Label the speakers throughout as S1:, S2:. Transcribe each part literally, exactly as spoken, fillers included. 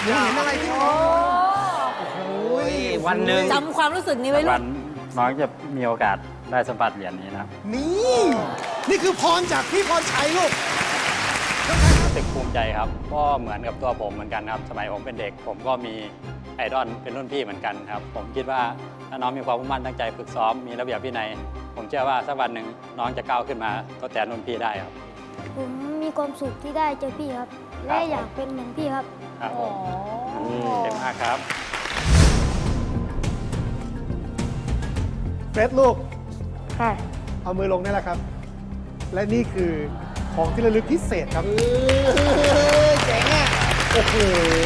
S1: หนูเห็นอะไรที่น้องโอ้โห
S2: วันหนึ่ง
S3: จำความรู้สึกนี้ไว้ลู
S2: วั
S3: ก
S2: นน้องจะมีโอกาสได้สัมผัสเหรียญนี้นะครับ
S1: นี่นี่คือพรจากพี่พรชัยลูก
S2: รู้สึกภูมิใจครับก็เหมือนกับตัวผมเหมือนกันครับ สมัยผมเป็นเด็ก ผมก็มีไอดอลเป็นรุ่นพี่เหมือนกันครับ ผมคิดว่าถ้าน้องมีความมุ่งมั่นตั้งใจฝึกซ้อมมีระเบียบวินัย ผมเชื่อว่าสักวันหนึ่งน้องจะก้าวขึ้นมาทดแทนรุ่นพี่ได้ครับ
S4: ผมมีความสุขที่ได้เจอพี่ครับ และอยากเป็นเหมือนพี่ครับ
S2: ครับผมเก่งมากครับ
S1: เฟรดลูก
S4: ค่ะ
S1: เอามือลงนี่แหละครับ และนี่คือของที่ระลึกพิเศษครับเจ๋งอ่ะโอ้โห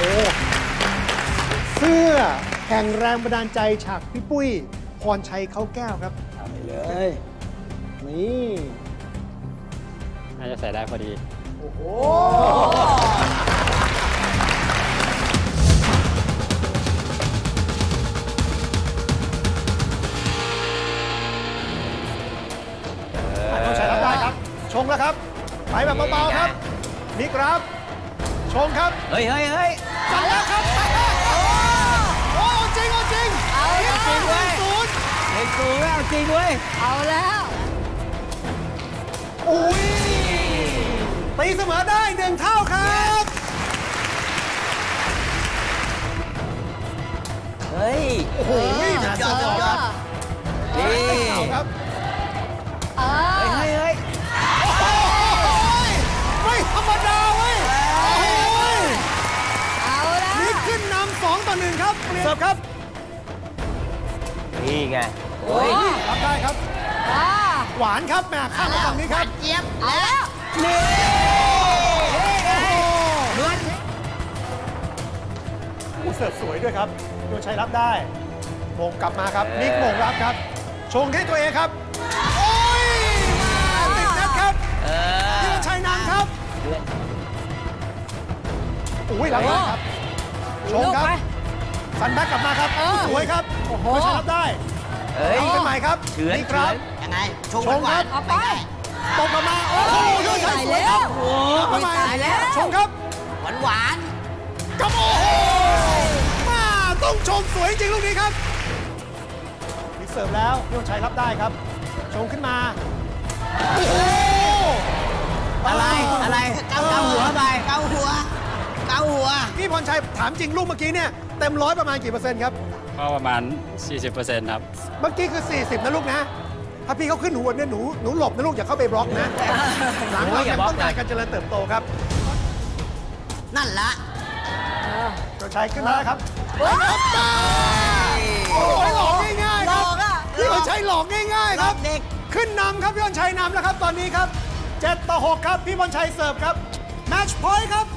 S1: เสื้อแห่งแรงบันดาลใจฉากพี่ปุ้ยพรชัยเขาแก้วครับไปเลย นี่
S2: น่าจะใส่ได้พอดี
S1: โอ้โหต้องใช้รับได้ครับ ชงแล้วครับ ไปแบบเบาๆครับ นี่ครับ ชงครับ
S5: เฮ้ยเฮ้ยเฮ้ย
S1: จัดแล้วครับไปแล้วโอ้โหจริงเอาจริง
S3: เอาแล้ว
S1: จริงเลยศูนย์
S5: เฮ้ยกูไม่เอาจริงเว้ย
S3: เอาแล้ว
S1: อุ้ยตีเสมอได้หนึ่งเท่าครับ
S5: เฮ้ย
S1: โอ้โหนะสุดยอดครับ
S5: นี่
S1: เอาครับ
S3: เออ
S5: เฮ้ยเฮ้ย
S1: โอ้โหไม่ธรรมดาเว้ยโอ้โห
S3: เอาแล้ว
S1: นี่ขึ้นนำสองต่อหนึ่งครับเสิร์ฟครับ
S5: นี่ไง
S3: โอ้ย
S1: รับได้ครับ
S3: อ่า
S1: หวานครับแม่ข้ามมาฝั่งนี้ครับ
S3: เจี๊ยบเอาแล้ว
S1: นี่โอ้โห
S5: นวล
S1: อู้เสิร์ฟสวยด้วยครับโยชัยรับได้โมงกลับมาครับนิกโมงรับครับ ชงให้ตัวเองครับ โอ้ยติดนัดครับ
S5: เออ
S1: โยชัยนำครับอุ้ยรับได้ครับ ชงครับ
S3: ลูกไป
S1: สันแบ็กกลับมาครับ
S3: เออ
S1: สวยครับ
S3: โอ้โห
S1: โยชัยรับได้
S5: เฮ้ย
S1: ทำเป็นใหม่ครับ
S5: เฉือน
S1: นี่ครับ
S5: ยังไง ชง
S1: ชงครับ
S3: เอาไป
S1: ตกกลับมาโอ้โหโยชัยสวยครับ
S5: โอ้
S1: ทำ
S5: ย
S1: ไม
S5: ตายแล้ว
S1: ชงครับ
S5: หวานหวาน
S1: กับโอ้โหมาต้องชมสวยจริงลูกนี้ครับมีเสิร์ฟแล้วโยชัยรับได้ครับ ชงขึ้นมา โอ้โห
S5: อะไร อะไรเกาเกาหัวไปเกาหัว เกาหัว
S1: พี่พรชัยถามจริงลูกเมื่อกี้เนี่ยเต็มร้อยประมาณกี่เปอร์เซ็นต์ครับ
S2: ก็ประมาณ สี่สิบเปอร์เซ็นต์ ครับ
S1: เมื่อกี้คือ สี่สิบ นะลูกนะ ถ้าพี่เขาขึ้นหัวเนี่ยหนูหนูหลบนะลูกอย่าเข้าไปบล็อกนะ หลังเรายังต้องการการเจริญเติบโตครับ
S5: นั่นละ
S1: โยชัยขึ้นมาแล้วครับ
S3: โอ้ย
S1: โอ้ยหลอกง่ายๆ
S3: หล
S1: ครับ
S3: อกอ่ะ
S1: พี่พรชัยหลอกง่ายๆครับ
S5: เด็ก
S1: ขึ้นนำครับพี่พรชัยนำแล้วครับตอนนี้ครับเจ็ดต่อหกครับพี่พรชัยเสิร์ฟครับแมตช์พอยต์ครับ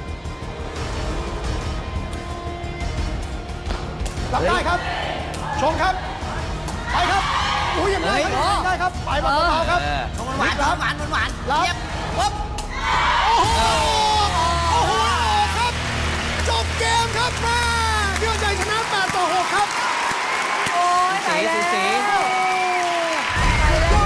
S1: รับได้ครับ ชงครับไปครับอุ้ยยังได้ครับยังได้ครับไปแบบเบาๆครับ
S5: เออชงหวาน
S1: ครับ
S5: หวานหวานหวาน
S1: รับ
S5: เทียบปุ๊บ
S1: โอ้โหโอ้โหครับจบเกมครับแม่พี่พรชัยชนะแปดต่อหกครับ
S3: โอ้ยตายแล้ว
S5: สี
S3: ตายแล้ว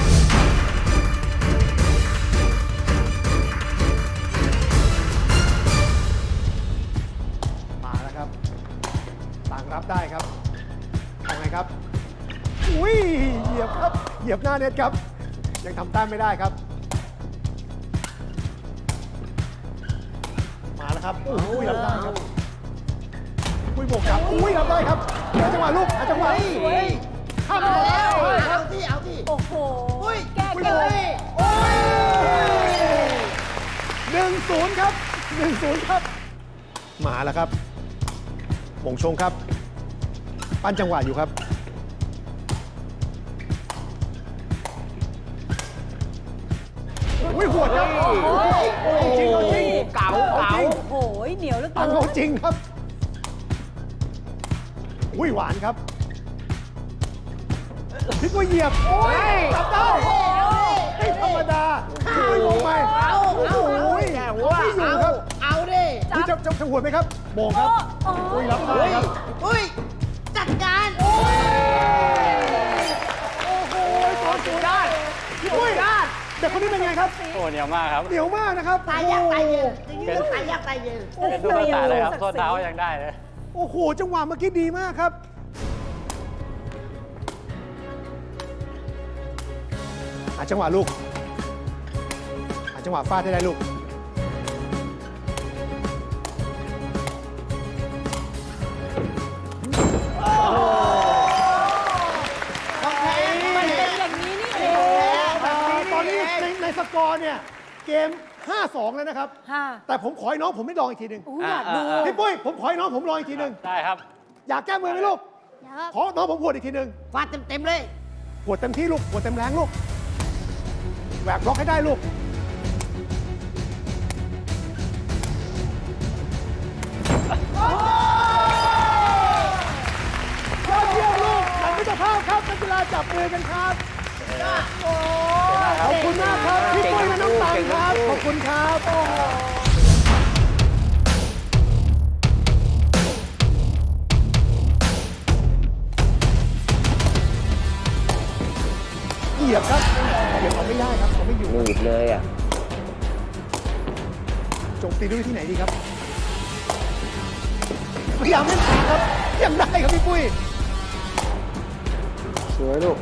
S1: มาแล้วครับ ต่างรับได้ครับเอาไงครับ อุ้ย เหยียบครับ เหยียบหน้าเน็ตครับ ยังทำแต้มไม่ได้ครับ มาแล้วครับ อุ้ยรับได้ครับ อุ้ยบวกครับ อุ้ยรับได้ครับหาจังหวะลูกหาจังหวะข้ามไปแล้ว
S5: เอาที่เอาที่
S3: โอ้โหแก้
S1: อุ้ย
S3: เก
S1: โอ้
S3: ม
S1: ยโอ้ยหนึ่งศูนย์ครับหนึ่งศูนย์ครับ มาแล้วครับหม่งชงครับ ปั้นจังหวะอยู่ครับ อุ้ยหัวครับเอาจริงเอาจริง
S5: เก๋าเก๋า
S3: โอ้โหเหนียวเหลือ
S1: ตั
S3: เกิ
S1: ง
S3: น
S1: เอาจริงครับ อุ้ยหวานครับพลิกว่าเหยียบ โอ้ยจับได้ไม่ธรรมดาอุ้ยลงไปโอ้โหแก่หัวไม่อยู่ครับ
S5: เอาดิ
S1: นี่จะจะจะหัวไหมครับโมงครับ อุ้ยรับได้ครับ
S5: อุ้ย จัดการ
S1: โอ้โหตัวสุดยอดอุ้ยเด็กคนนี้เป็นไงครับ
S2: โอ้เหนียวมากครับ
S1: เหนียวมากนะครับ
S5: ตายยากตายเย็นอย่างนี้ต้องตายยากตายเย็น
S2: เป็นตุ๊กตาเลยครับโทษเท้ายังได้เลย
S1: โอ้โห จังหวะเมื่อกี้ดีมากครับ หาจังหวะลูก หาจังหวะฟาดได้ได้ลูก
S5: ต้องแพ้
S3: มันเป็นอย่างนี้นี่เอง
S1: ตอนนี้ในในสกอร์เนี่ย เกม ห้าสอง แล้วนะครับ
S3: ค่ะ
S1: แต่ผมขอให้น้องผมไม่ลองอีกทีหนึ่ง
S3: อู้อยากดู
S2: อ่า
S1: พี่ปุ้ย ผมขอให้น้องผมลองอีกทีหนึ่ง
S2: ได้ครับ
S1: อยากแก้มือไหมลูก
S4: อยากครับ
S1: ขอน้องผมหวดอีกทีหนึ่ง
S5: ฟาดเต็มๆเลย
S1: หวดเต็มที่ลูกหวดเต็มแรงลูกแหวกบล็อกให้ได้ลูก ยอดเยี่ยมลูกหลังมิตรภาพครับนักกีฬาจับมือกันครับขอบคุณมากครับ พี่ปุ้ยและน้องตังครับ ขอบคุณครับโอ้โหเหยียบครับเหยียบเอาไม่ได้ครับเขาไม่อยู่
S5: หนีบเลยอ่ะ
S1: โจมตีด้วยวิธีไหนดีครับพยายามเล่นขาครับยังได้ครับพี่ปุ้ย
S5: สวยลูก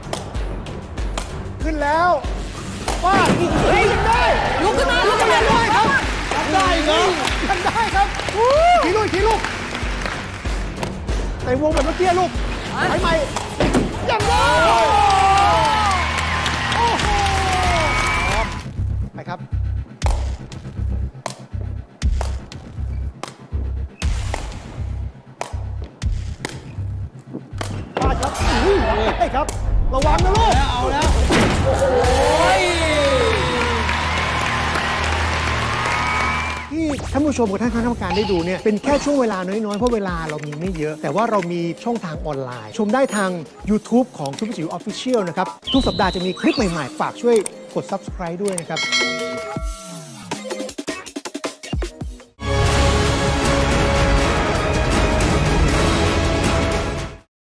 S1: ขึ้นแล้วว่าเฮ้ยยังได้ลุกขึ้นมาลุกขึ้นมาด้วยครับยังได้ครับยังได้ครับทีลูกทีลูกใส่วงแบบเมื่อกี้ลูกไปใหม่ยังได้โอ้โหไปครับปาดครับอุ้ยได้ครับระวังนะลูกเอาแล้วที่ท่านผู้ชมกับท่านคณะกรรมการได้ดูเนี่ยเป็นแค่ช่วงเวลาน้อย ๆ เพราะเวลาเรามีไม่เยอะ แต่ว่าเรามีช่องทางออนไลน์ ชมได้ทาง YouTube ของทุกจิ๋วออฟฟิเชียลนะครับ ทุกสัปดาห์จะมีคลิปใหม่ ๆ ฝากช่วยกด Subscribe ด้วยนะครับ